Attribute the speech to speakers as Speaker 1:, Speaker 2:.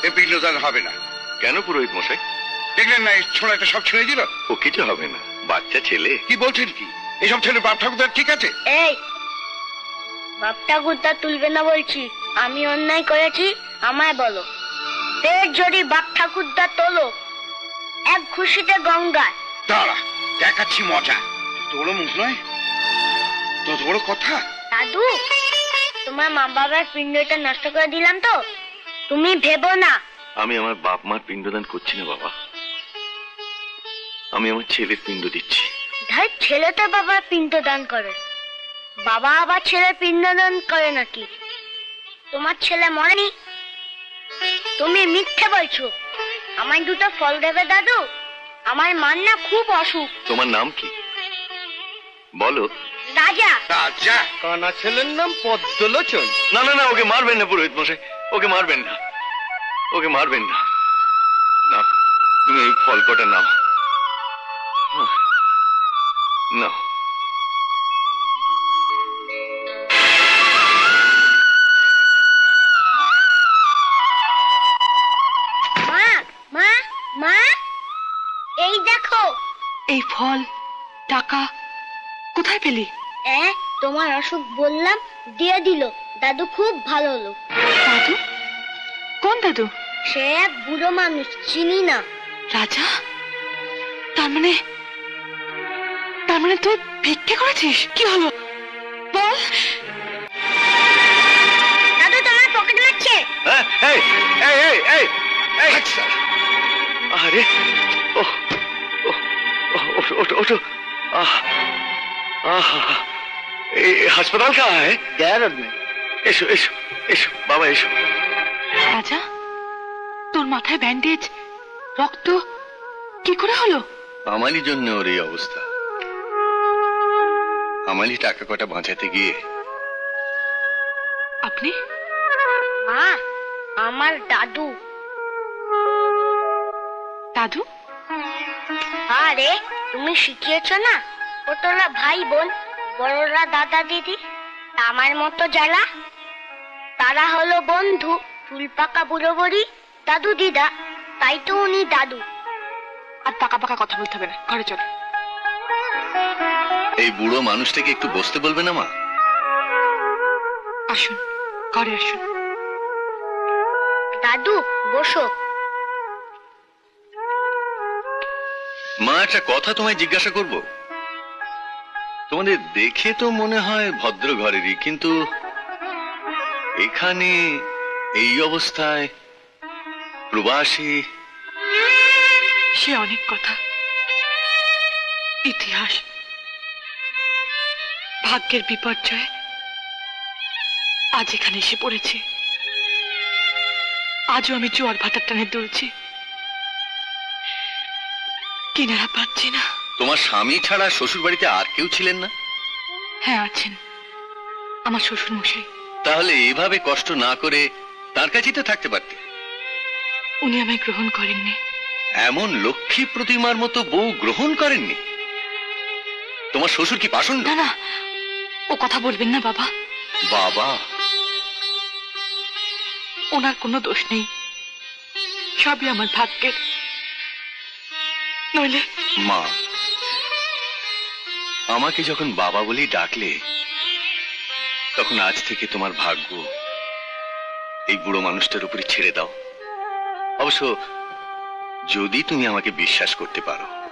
Speaker 1: এ পিণ্ডদান হবে না।
Speaker 2: কেন পুরোহিত মশাই?
Speaker 1: দেখলেন না, এই ছোড়াটা সব ছেড়ে দিল।
Speaker 2: ও কিছু হবে না, বাচ্চা ছেলে।
Speaker 1: কি বলছেন কি? এসব ছেলে বাপ ঠাকুরদার ঠিক আছে?
Speaker 3: এই বাপ ঠাকুরদা তুলবে না বলছি। আমি অন্যায় করেছি, আমায় বলো। ফের যদি বাপ ঠাকুরদা তোলো, এক খুশিতে গঙ্গায়।
Speaker 1: দাঁড়া, দেখাচ্ছি মজা। তোর মুখ নয়, তত বড় কথা।
Speaker 3: দাদু, তোমার মা বাবার পিণ্ডটা নষ্ট করে দিলাম তো? তুমি ভেবো না।
Speaker 2: আমি আমার বাপ মার পিণ্ডদান করছি না বাবা, আমি আমার ছেলের পিণ্ড দিচ্ছি।
Speaker 3: ধাই, ছেলে তো বাবার পিণ্ডদান করে, বাবা আবার ছেলের পিণ্ডদান করে নাকি? তোমার ছেলে মরেনি? তুমি মিথ্যে বলছো। আমায় দুটো ফল দেবে দাদু? আমার মার না খুব অসুখ।
Speaker 2: তোমার নাম কি বলো?
Speaker 3: রাজা।
Speaker 1: রাজা?
Speaker 4: কানা ছেলের নাম পদ্মলোচন।
Speaker 2: না না না, ওকে মারবেন না পুরোহিত মশাই, ওকে মারবেন না, ওকে মারবেন না। না, তুমি এই ফল কটা নাও, নাও।
Speaker 3: মা মা মা, এই দেখো।
Speaker 5: এই ফল, টাকা কোথায় পেলি?
Speaker 3: তোমার অসুখ বললাম, দিয়ে দিল। দাদু খুব ভালো লোক।
Speaker 5: দাদু? কোন দাদু?
Speaker 3: সে এক বুড়ো মানুষ, চিনি না।
Speaker 5: রাজা? তার মানে তুই ভিক্ষে করেছিস? কি হলো বল।
Speaker 3: দাদু তোমার পকেট মারছে।
Speaker 2: এই এই এই এই এই, আরে ও ওঠো ওঠো। এই হাসপাতাল কাহা है?
Speaker 4: গ্যারেজ নেই।
Speaker 2: এসো এসো এসো বাবা, এসো।
Speaker 5: রাজা, তোর মাথায় ব্যান্ডেজ, রক্ত কি করে হলো?
Speaker 2: আমারই জন্য ওর এই অবস্থা। আমারই টাকা কটা বাঁচাতে গিয়ে।
Speaker 5: আপনি?
Speaker 3: মা, আমার দাদু।
Speaker 5: দাদু?
Speaker 3: আরে তুমি শিখিয়েছো না, ছোটরা ভাই বোন, বড়রা দাদা দিদি। আমার মতো যারা, তারা হলো বন্ধু। চুল পাকা বুড়ো বড়ি, দাদু দিদা, তাই তো উনি দাদু।
Speaker 5: আর পাকা পাকা কথা বলতে হবে না, ঘরে চল।
Speaker 2: এই বুড়ো মানুষটাকে একটু বসতে বলবে না মা?
Speaker 5: আসুন, ঘরে আসুন।
Speaker 3: দাদু বসো।
Speaker 2: মা, একটা কথা তোমায় জিজ্ঞাসা করব। তোমাদের দেখে তো মনে হয় ভদ্র ঘরেরই, কিন্তু এখানে এই অবস্থায়, প্রবাসী।
Speaker 5: সে অনেক কথা, ইতিহাস, ভাগ্যের বিপর্যয় আজ এখানে এসে পড়েছে। আজও আমি জোয়ার ভাটার টানে দুলছি, কিনারা পাচ্ছি না।
Speaker 2: তোমার স্বামী ছাড়া শ্বশুর বাড়িতে আর কেউ ছিলেন না?
Speaker 5: হ্যাঁ আছেন, আমার শ্বশুর মশাই।
Speaker 2: তাহলে এভাবে কষ্ট না করে তার কাছেই তো থাকতে পারতে।
Speaker 5: উনি আমায় গ্রহণ করেননি।
Speaker 2: এমন লক্ষ্মী প্রতিমার মতো বউ গ্রহণ করেননি? তোমার শ্বশুর কি পাষণ্ড?
Speaker 5: না না, ও কথা বলবেন না বাবা।
Speaker 2: বাবা?
Speaker 5: ওনার কোনো দোষ নেই, সবই আমার ভাগ্যের। নইলে।
Speaker 2: মা, আমাকে যখন বাবা বলেই ডাকলে, তখন আজ থেকে তোমার ভাগ্য এই বুড়ো মানুষটার উপরে ছেড়ে দাও। অবশ্য যদি তুমি আমাকে বিশ্বাস করতে পারো।